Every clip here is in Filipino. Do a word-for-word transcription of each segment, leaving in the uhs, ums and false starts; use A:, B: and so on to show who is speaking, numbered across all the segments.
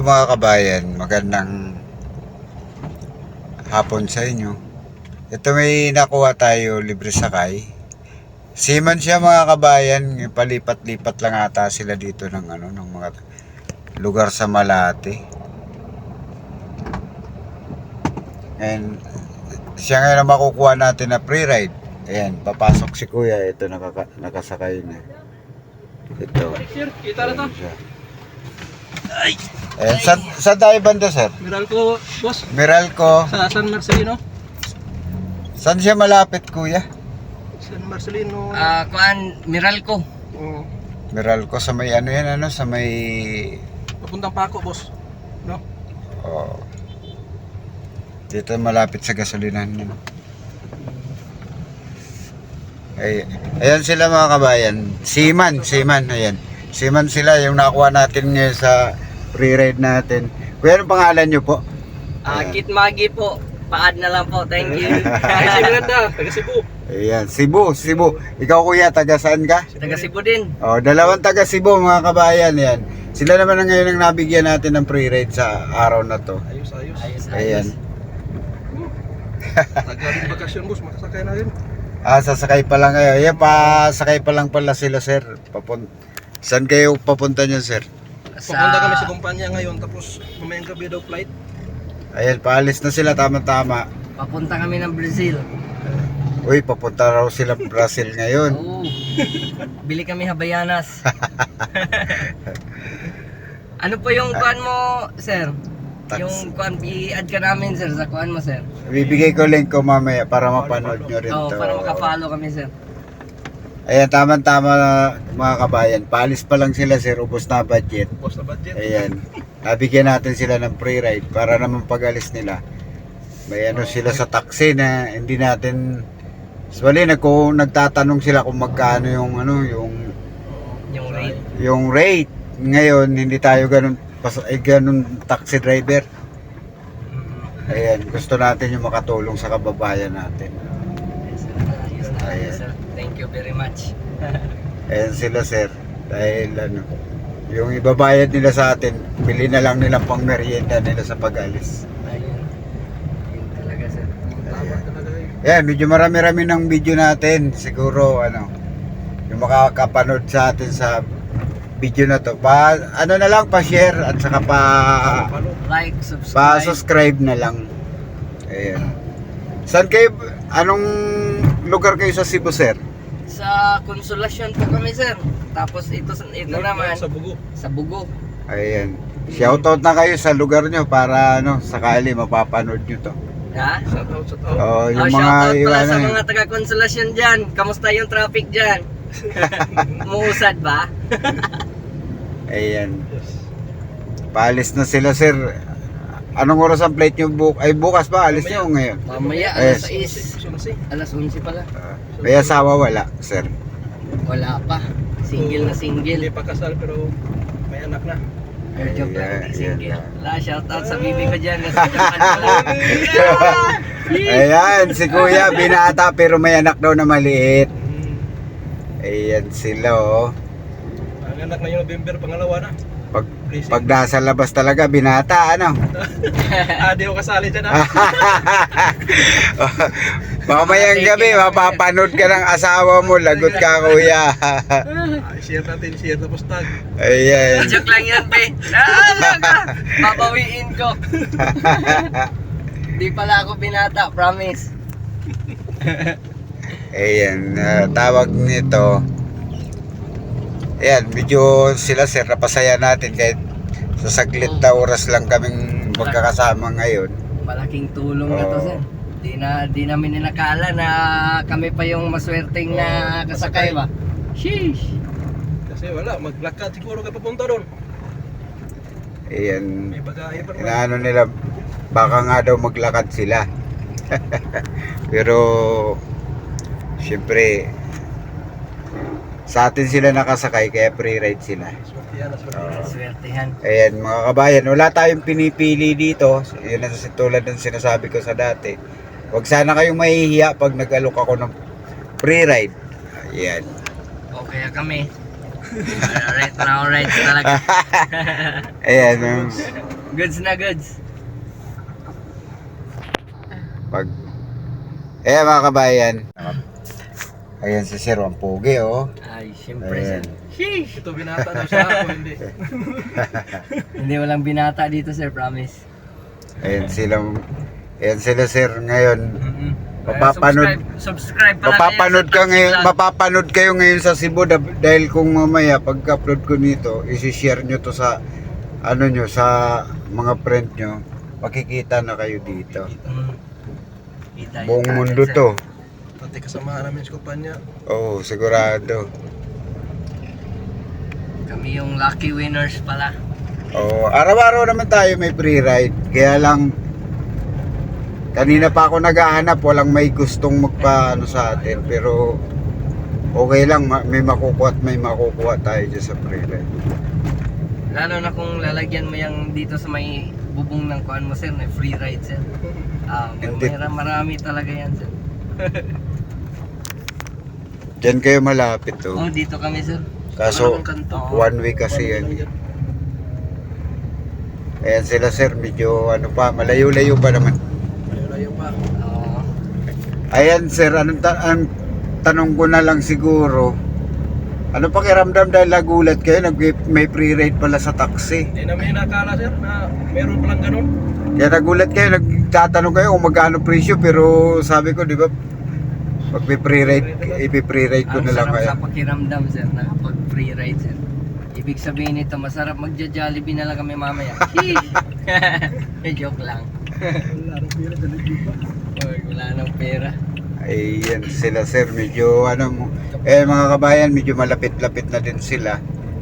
A: mga kabayan, magandang hapon sa inyo. Ito may nakuha tayo libre sakay. Seaman siya mga kabayan, palipat-lipat lang ata sila dito ng ano ng mga lugar sa Malate. And siya ngayon ang makukuha natin na free ride. Ayan, papasok si Kuya, ito nakaka nakasakay na. Ito.
B: Sir, kita na to.
A: Ay. Ayan, saan, saan tayo banda, sir?
B: Meralco, boss.
A: Meralco.
B: Sa San Marcelino.
A: Saan siya malapit, Kuya?
B: San Marcelino.
C: Ah, kuan Meralco.
B: Oh,
A: Meralco sa may ano yan, ano? Sa may...
B: papuntang Paco, boss. No?
A: Oh. Dito malapit sa gasolinahan nyo. Ay, ayan sila mga kabayan. Seaman, seaman, ayan. Seaman sila, yung nakuha natin ngayon sa free ride natin. Kuya, anong pangalan nyo po?
C: Ah,
A: Ayan.
C: Kit Magi po. Paad na lang po. Thank you.
B: Ay, si Miranda, taga Cebu.
A: Ayan, Cebu, Cebu. Ikaw Kuya, taga saan ka?
C: Taga Cebu din.
A: Oh, dalawang taga Cebu mga kabayan yan. Sila naman ang ngayon ang nabigyan natin ng free ride sa araw na to.
B: Ayos, ayos.
C: Ayos,
A: Ayan.
C: ayos.
B: Taga rin bakasyon, boss. Makasakay na rin.
A: Ah, sasakay pa lang kayo. Ayan, pasakay pa lang pala sila, sir. Papun Saan kayo papunta niyan, sir?
B: Papunta kami sa kumpanya ngayon, tapos mamayang gabi daw flight.
A: Ayan, paalis na sila, tama-tama.
C: Papunta kami ng Brazil.
A: Uy, papunta raw sila Brazil ngayon.
C: Oo. Bili kami Habayanas. Ano po yung kuan mo, sir?
A: Tax.
C: Yung kuan, i-add ka namin, sir, sa kuan mo, sir.
A: Bibigay ko link ko mamaya para mapanood nyo rin
C: Oo,
A: to.
C: para makafollow kami, sir.
A: Ayan, tama-tama mga kabayan. Paalis pa lang sila, sir. Ubos na budget.
B: Boss na budget.
A: Ayan. Nabigyan natin sila ng free ride para naman pag-alis nila. May ano sila sa taxi na hindi natin... Bali, nagko nagtatanong sila kung magkano yung ano, yung
C: Yung rate.
A: yung rate. Ngayon, hindi tayo ganun pas eh, ganun taxi driver. Ayan, gusto natin yung makatulong sa kababayan natin.
C: Yes, sir. Ayos na, ayos, sir. Thank you very much.
A: Ayan sila, sir. Dahil ano, yung ibabayad nila sa atin, bili na lang nilang pang merienda nila sa pag-alis.
C: Ayun. Yun talaga, sir.
B: Tama talaga yun.
A: Ayan, medyo marami-rami ng video natin. Siguro, ano, yung makakapanood sa atin sa video na to. Pa, ano na lang, pa-share at saka pa...
B: Palo.
C: Like, subscribe.
A: Pa-subscribe na lang. Ayan. Saan kayo, anong lugar kayo sa Cebu, sir?
C: Sa Konsolasyon po kami, sir. Tapos ito, ito
B: North
C: naman
B: sa Bugo.
C: sa Bugo.
A: Ayan. Shoutout na kayo sa lugar nyo para ano, sakali mapapanood nyo to.
C: Ha?
B: Shout out, shout out.
A: Oh,
C: Oh,
A: yung mga
C: shoutout pala
A: iwan
C: sa
A: na
C: mga taga Konsolasyon dyan. Kamusta yung traffic dyan? Muusad ba?
A: Ayan.
B: Yes.
A: Paalis na sila, sir. Anong oras ang flight nyo? Bu ay, bukas ba? Alis nyo ngayon?
C: Mamaya,
A: Yes.
C: alas sais.
B: Gusto na si.
C: Alas onse pala.
A: Uh, may asawa wala, sir.
C: Wala pa. Single na
B: Hindi
C: single.
B: pa kasal pero may anak na.
C: Ay, joke lang,
A: Ayan,
C: hindi single.
A: ayan.
C: Wala, shoutout sa bibi ko dyan. Nasa Japan pala.
A: Ayan, si kuya, binata pero may anak daw na maliit.
B: Hmm.
A: Ayan sila, oh.
B: Ang anak na yung November, pangalawa na.
A: Pag,
B: Blessing.
A: pag nasa labas talaga, binata, ano?
B: Ah, di ako kasali dyan ah.
A: Mamayang gabi, mapapanood ka ng asawa mo, lagot ka, kuya.
B: Ah, share natin, share tapos tag.
A: Ayan.
C: Joke lang yan, pe. Ah, laga. Papawiin ko. Di pala ako binata, promise.
A: Ayan, uh, tawag nito. Ayan, medyo sila, sir, napasaya natin kahit sa saglit na oras lang kaming magkakasama ngayon.
C: Malaking tulong na to,
A: Oo.
C: sir. Di na di namin inakala na kami pa yung maswerteng na
B: Oo,
C: kasakay ba. Sheesh.
B: Kasi wala, maglakad siguro ka papunta doon.
A: Ayan,
B: May bagahe pa naman.
A: inaano nila, baka nga daw maglakad sila. Pero, syempre, sa atin sila nakasakay, kaya free ride sila.
B: Swertihan, swertihan.
C: Swertihan.
A: Ayan mga kabayan, wala tayong pinipili dito. Yun ang tulad ng sinasabi ko sa dati. Huwag sana kayong mahihiya pag nag-alok ako ng free ride. Ayan.
C: O kaya kami. Alright, alright talaga.
A: Ayan, um,
C: Goods na goods.
A: pag... Ayan mga kabayan. Ayan si Sir, ang pogi oh.
C: Ay, syempre
A: Ayan.
C: sir. Sheesh!
B: Ito binata daw siya ako, hindi.
C: Hindi walang binata dito sir, promise.
A: Ayan sila, ayan sila Sir ngayon.
C: Mm-hmm.
A: Mapapanood,
C: Subscribe, subscribe pala
A: mapapanood ka
C: kayo sa
A: ngayon,
C: Taxi Vlog.
A: mapapanood kayo ngayon sa Cebu dah- dahil kung mamaya pag-upload ko nito, isi-share nyo to sa ano nyo, sa mga friend nyo, makikita na kayo dito.
C: Mm. Kita yung
A: Buong
C: kanan,
A: mundo
C: sir.
A: to.
B: Pati kasamahan namin sa kumpanya.
A: Oo, sigurado.
C: Kami yung lucky winners pala.
A: Oo, araw-araw naman tayo may free ride. Kaya lang, kanina pa ako naghahanap, walang may gustong magpa ano sa atin. Pero, okay lang, ma- may makukuha at may makukuha tayo dyan sa free ride.
C: Lalo na kung lalagyan mo yung dito sa may bubong ng kuan mo sir, na free ride sir. Ah,
A: Hindi.
C: may marami talaga yan sir.
A: Diyan kayo malapit to.
C: Oh, dito kami sir.
A: Kaso,
B: Wala namang kanto.
A: one way kasi yan. Ayan sila sir, medyo ano pa, malayo-layo pa naman.
B: Layo-layo pa.
C: Oo.
A: Ayan sir, anong, ta- ang tanong ko na lang siguro, ano pakiramdam dahil nagulat kayo, nag may free ride pala sa taxi.
B: Hindi namin nakala sir na meron palang ganun.
A: Kaya nagulat kayo, nagtatanong kayo kung magkano presyo, pero sabi ko, di ba, pag may free ride, ipi-free ride ko
C: Ang
A: na lang
C: sarap
A: kayo.
C: sa pakiramdam sir na pag free ride sir. Ibig sabihin nito, masarap magja-Jollibee na lang kami mamaya. Sheesh! Joke lang.
B: Wala rin pira sa libo.
C: Oy, wala nang pera.
A: Ayan sila sir, medyo ano mo, eh mga kabayan, medyo malapit-lapit na din sila.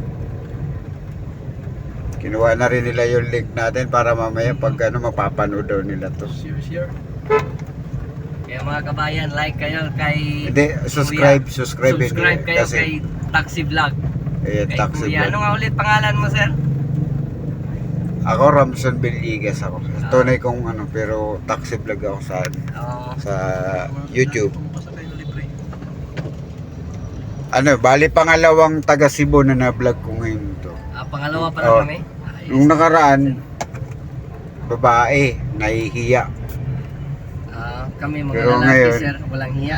A: Kinuha na rin nila yung link natin para mamaya pag ano, mapapanood daw nila to.
B: Share, share.
C: Kaya mga kabayan, like kayo kay
A: Hindi, subscribe,
C: Kuya.
A: subscribe, din
C: Subscribe
A: eh,
C: kayo
A: kasi,
C: kay Taxi Vlog.
A: eh,
C: Kay
A: taxi
C: Kuya. Ano
A: vlog.
C: nga ulit pangalan mo sir?
A: Ako, Ramson Villegas ako. Tunay kong ano, pero taxi vlog ako sa,
C: Oo.
A: sa YouTube.
B: Pasakay na libre.
A: Ano, bali pangalawang taga Cebu na na-vlog ko ngayon to.
C: Ah, pangalawa pa lang
A: Oo.
C: kami. Ayos.
A: Nung nakaraan, babae, nahihiya.
C: Ah, kami mga
A: Pero
C: lalaki
A: ngayon-
C: sir, walang hiya.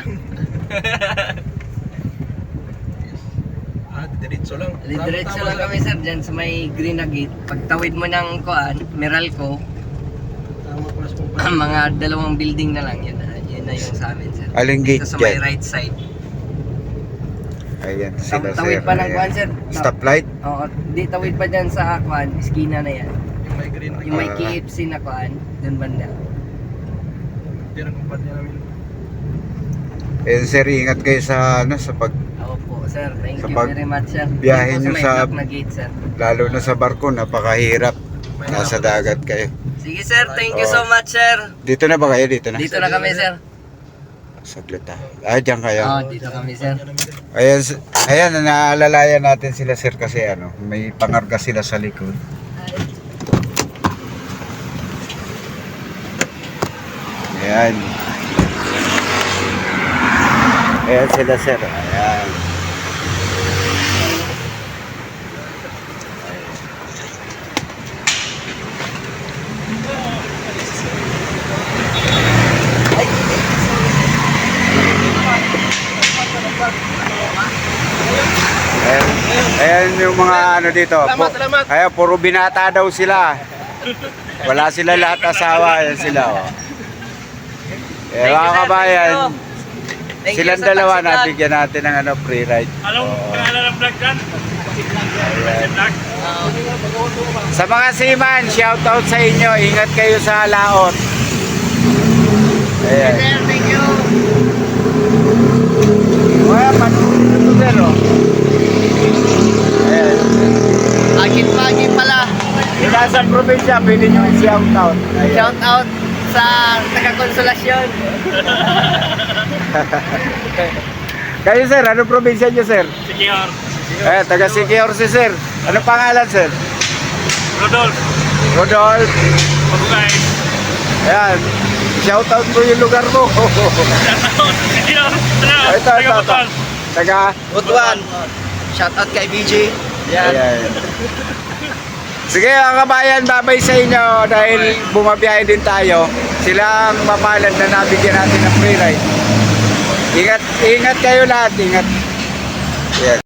B: Ah, diretso lang.
C: Diretso
B: Tama,
C: lang
B: tama
C: kami sir, dyan sa may green na gate. Pagtawid mo ng kuan, Meralco,
B: Tama pala sa kumpanya.
C: mga dalawang building na lang, yun na, yun na yung sa amin sir.
A: Aling gate
C: Dito sa may
A: dyan?
C: right side.
A: Ayan, sila
C: Tawid
A: sir.
C: pa ng
A: Ayan.
C: kuan sir.
A: Stoplight?
C: Oo, di tawid pa dyan sa kuan, eskina na yan.
B: Yung may green.
C: Yung may
A: Ah.
C: K F C na kuan, dun banda.
B: Pero ang kumpanya namin.
A: Ayan sir, ingat kayo sa ano, sa pag,
C: Opo sir, thank
A: Sa
C: you
A: pag-
C: very much sir.
A: biyahe
C: Dito
A: nyo
C: may
A: sa-
C: block na gate sir.
A: lalo na sa barko, napakahirap.
B: May
A: Nasa
B: hapon.
A: dagat kayo.
C: Sige sir, thank you
A: Oo.
C: so much sir.
A: Dito na ba kayo? Dito na?
C: Dito na kami sir.
A: Saglit ah. Ah, dyan kayo.
C: Oo, dito kami sir.
B: Kumpanya namin, sir.
A: Ayan, s- ayan, naalalayan natin sila sir kasi ano, may pangarga sila sa likod. Ayan. Ayan sila sir. Ayan. Ayan, ayan yung mga ano dito.
B: Salamat, salamat.
A: Ayan, puro binata daw sila. Wala sila lahat asawa. Ayan sila. Oh. Eh,
C: Thank you,
A: mga
C: sir.
A: kabayan,
C: Thank you. Thank you
A: silang
C: sa
A: dalawa
C: Taxi Vlog.
A: nabigyan natin ng ano, free ride.
D: Anong
A: Oo.
D: pangalan ng vlog dyan?
A: Ayan.
D: Vlog?
A: Sa mga seaman, shout out sa inyo. Ingat kayo sa laot. Ayan.
C: Sir, thank you.
A: Ayan, panunin ito sir. Oh. Ayan.
C: Agit-pagi pala.
A: Yung nasa probinsya, pwede nyo i-shout out. Ayan.
C: Shout out sa taga-konsolasyon.
A: Kayo sir, anong probinsya nyo sir?
D: Sikior.
A: Eh, taga Siquijor si sir. Ano pangalan sir?
D: Rodolf.
A: Rodolph.
D: Pagkukay.
A: Ayan. Shout out mo yung lugar mo.
D: Sikior. Ano?
A: ito, ito, ito.
D: Taga-Butol.
A: Taga
B: Butuan. Shoutout kay B J. Yan.
A: Ayan. Sige mga kabayan, babay sa inyo dahil bumabiyahe din tayo. Sila ang mapalad na nabigyan natin ng free ride. Ingat, ingat kayo lahat, ingat. Yes.